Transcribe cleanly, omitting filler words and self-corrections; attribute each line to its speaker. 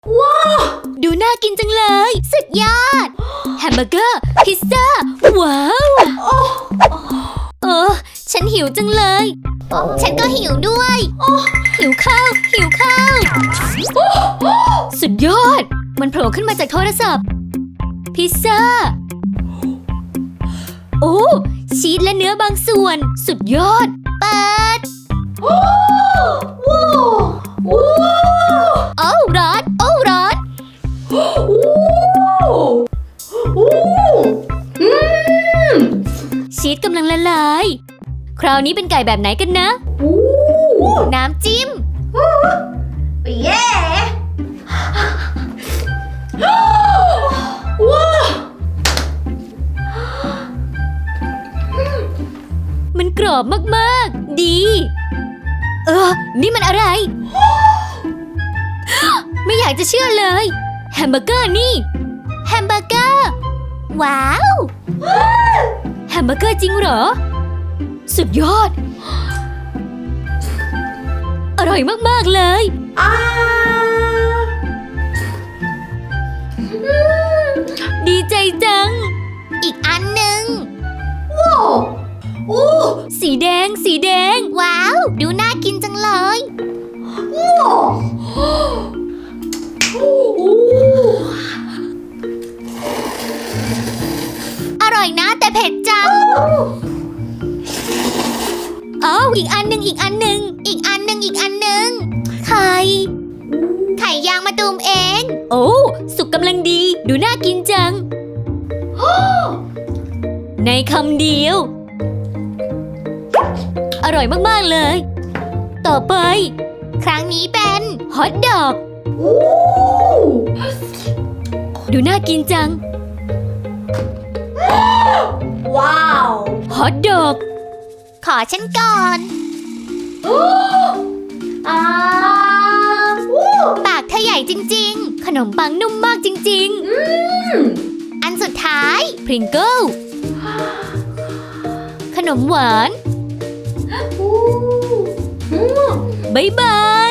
Speaker 1: ว้าวดูน่ากินจังเลยสุดยอดแฮมเบอร์เกอร์พิซซ่าว้าวฉันหิวจังเลยฉันก็หิวด้วยหิวข้าวสุดยอดมันโผล่ขึ้นมาจากโทรศัพท์พิซซ่าโอ้ชีสและเนื้อบางส่วนสุดยอดเปิดโอ้ร้อนชีสกำลังละลายคราวนี้เป็นไก่แบบไหนกันนะน้ำจิ้ม
Speaker 2: เย้
Speaker 1: มันกรอบมากๆดีนี่มันอะไร ไม่อยากจะเชื่อเลยแฮมเบอร์เกอร์นี่แฮมเบอร์เกอร์ว้าวแฮมเบอร์เกอร์จริงเหรอสุดยอดอร่อยมากๆเลยดีใจจังอีกอันหนึ่ง
Speaker 2: ว้าว
Speaker 1: สีแดงว้าวดูน่ากินจังเลยอร่อยนะแต่เผ็ดจังอีกอันหนึ่งไข่ยางมะตูมเองสุกกำลังดีดูน่ากินจังในคำเดียวอร่อยมากๆเลยต่อไปครั้งนี้เป็นฮอทดอกดูน่ากินจัง
Speaker 2: ว้าว
Speaker 1: ฮอทดอกขอฉันก่อนปากเธอใหญ่จริงๆขนมปังนุ่มมากจริงๆอันสุดท้ายพริงเกิลขนมหวานบ๊ายบาย